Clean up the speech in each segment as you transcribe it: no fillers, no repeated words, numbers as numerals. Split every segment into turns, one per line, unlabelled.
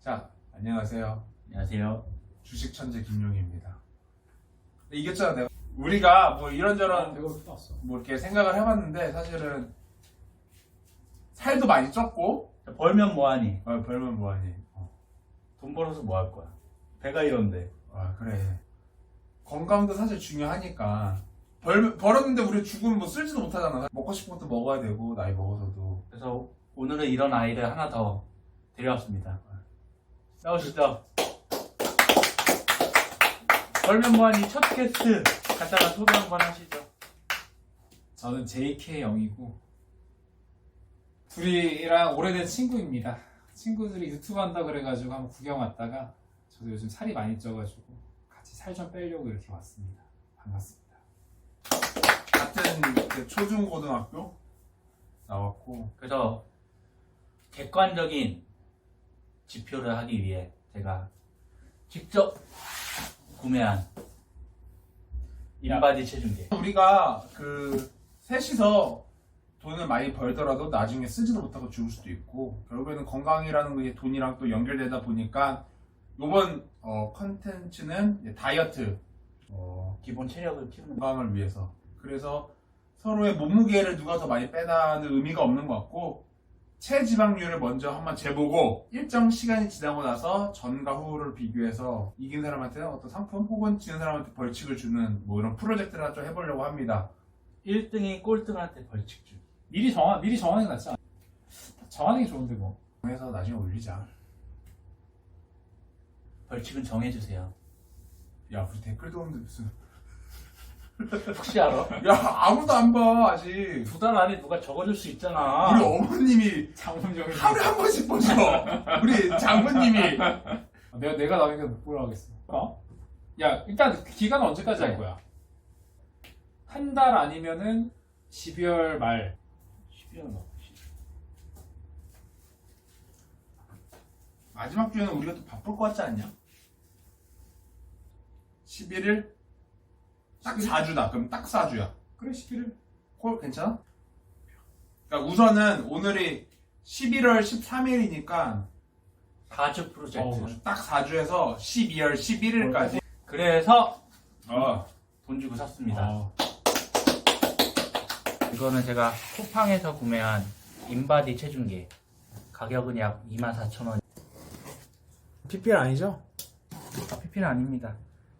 자, 안녕하세요.
안녕하세요.
주식 천재 김용희입니다. 이겼잖아, 내가. 우리가 뭐 이런저런 뭐 이렇게 생각을 해봤는데 사실은 살도 많이 쪘고
벌면 뭐하니?
벌면 뭐하니?
돈 벌어서 뭐 할 거야? 배가 이런데.
그래. 건강도 사실 중요하니까 벌었는데 우리 죽으면 뭐 쓸지도 못하잖아. 먹고 싶은 것도 먹어야 되고 나이 먹어서도.
그래서 오늘은 이런 아이를 하나 더 데려왔습니다. 나오시죠. 벌면 뭐하니 첫 게스트 갖다가 소개 한번 하시죠.
저는 JK0이고 둘이랑 오래된 친구입니다. 친구들이 유튜브 한다 그래가지고 한번 구경 왔다가 저도 요즘 살이 많이 쪄가지고 같이 살 좀 빼려고 이렇게 왔습니다. 반갑습니다.
같은 그 초중고등학교 나왔고
그래서 객관적인 지표를 하기 위해 제가 직접 구매한 인바디 체중계.
우리가 그 셋이서 돈을 많이 벌더라도 나중에 쓰지도 못하고 죽을 수도 있고 결국에는 건강이라는 게 돈이랑 또 연결되다 보니까 요번 컨텐츠는 다이어트
기본 체력을 키우는
건강을 위해서 그래서 서로의 몸무게를 누가 더 많이 빼다는 의미가 없는 것 같고 체지방률을 먼저 한번 재보고 일정 시간이 지나고 나서 전과 후를 비교해서 이긴 사람한테는 어떤 상품 혹은 지는 사람한테 벌칙을 주는 뭐 이런 프로젝트를 하나 좀 해보려고 합니다.
1등이 꼴등한테 벌칙 주기.
미리 정하는 게 낫지 않아? 정하는 게 좋은데 뭐.
해서 나중에 올리자.
벌칙은 정해주세요.
야, 우리 댓글도 없는데 무슨.
혹시 알아?
야, 아무도 안 봐, 아직.
2달 안에 누가 적어줄 수 있잖아.
우리 어머님이
장문정이
하루에 한 번씩 보셔. 우리 장모님이.
내가 나오니까 못 보러 하겠어. 야, 일단 기간은 언제까지 할
네.
거야? 한 달 아니면은 12월 말.
12월 뭐.
마지막 주에는 우리가 또 바쁠 것 같지 않냐? 11일? 딱 4주다. 그럼 딱 4주야.
그래, 11일.
콜 괜찮아? 그러니까 우선은 오늘이 11월 13일이니까
4주 프로젝트.
딱 4주에서 12월 11일까지.
그래서
어.
돈 주고 샀습니다. 이거는 제가 쿠팡에서 구매한 인바디 체중계. 가격은 약 24,000원.
PPL 아니죠?
PP는 아닙니다.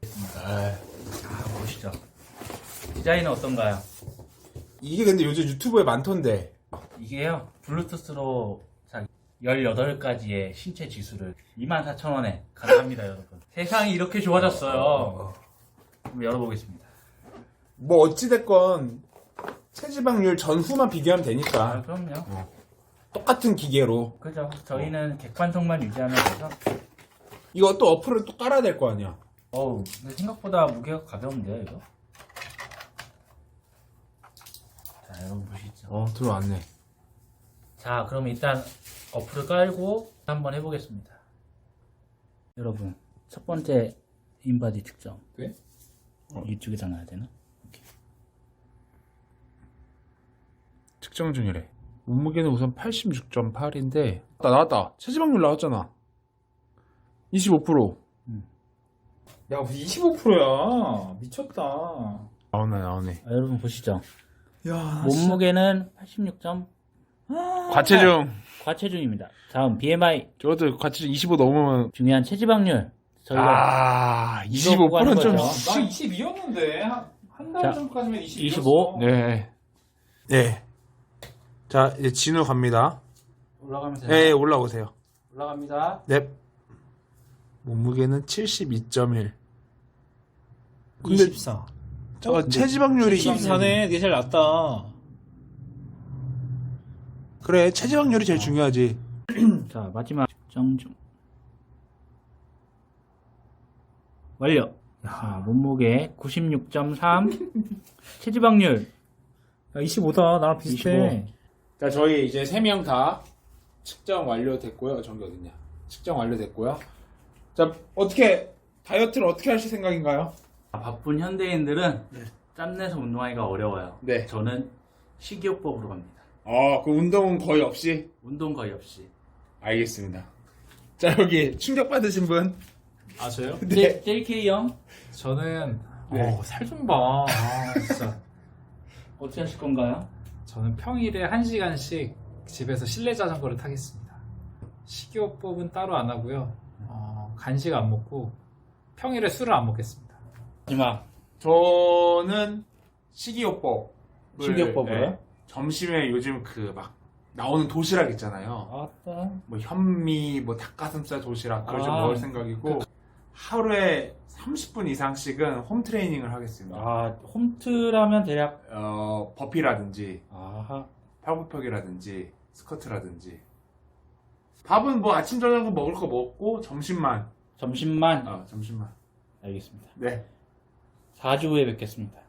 보시죠. 디자인은 어떤가요?
이게 근데 요즘 유튜브에 많던데.
이게요, 블루투스로 18가지의 신체 지수를 24,000원에 가능합니다, 여러분. 세상이 이렇게 좋아졌어요. 한번 열어보겠습니다.
뭐 어찌됐건 체지방률 전후만 비교하면 되니까
그럼요.
똑같은 기계로.
그죠. 저희는 객관성만 유지하면 돼서.
이거 또 어플을 또 깔아야 될 거 아니야.
근데 생각보다 무게가 가벼운데요, 이거? 자, 여러분 보시죠.
들어왔네.
자, 그럼 일단 어플을 깔고 한번 해보겠습니다. 여러분, 첫 번째 인바디 특정.
네?
이쪽에다 놔야 되나? 이렇게.
측정 중이래. 몸무게는 우선 86.8인데 나왔다. 체지방률 나왔잖아. 25%.
야, 25%야. 미쳤다.
나오네.
여러분 보시죠.
야,
몸무게는 86점.
과체중.
과체중입니다. 다음 BMI.
저것도 과체중 25 넘으면
중요한 체지방률. 저희가
25%는 좀.
거죠.
나 22였는데 한 달
자,
전까지면 22였어.
25.
네. 자, 이제 진우 갑니다.
올라가면 돼요.
네, 올라오세요.
올라갑니다.
네. 몸무게는 72.1. 근데
24.
체지방률이
24네. 되게 잘 낫다.
그래, 체지방률이 제일 중요하지.
자, 마지막 측정 중. 완료. 야, 몸무게 96.3. 체지방률.
야, 25다. 나랑 비슷해.
25.
자, 저희 이제 3명 다 측정 완료됐고요. 정기 어딨냐? 측정 완료됐고요. 자, 다이어트를 어떻게 하실 생각인가요?
바쁜 현대인들은 짬내서 운동하기가 어려워요.
네.
저는 식이요법으로 갑니다.
그 운동은 거의 없이?
운동 거의 없이.
알겠습니다. 자, 여기 충격받으신 분.
아 저요?
네.
JK 형
저는
네.
살 좀 봐. 진짜.
어떻게 하실 건가요?
저는 평일에 1시간씩 집에서 실내 자전거를 타겠습니다. 식이요법은 따로 안 하고요. 간식 안 먹고 평일에 술을 안 먹겠습니다.
마지막
저는 식이요법.
식이요법으로요?
점심에 요즘 그 막 나오는 도시락 있잖아요.
아따.
뭐 현미, 뭐 닭가슴살 도시락 그걸 좀
아.
먹을 생각이고 하루에 30분 이상씩은 홈 트레이닝을 하겠습니다.
아, 홈트라면 대략
버피라든지
아하.
팔굽혀펴기라든지 스쿼트라든지 밥은 뭐 아침 저녁 먹을 거 먹고 점심만
점심만
점심만
알겠습니다.
네
4주 후에 뵙겠습니다.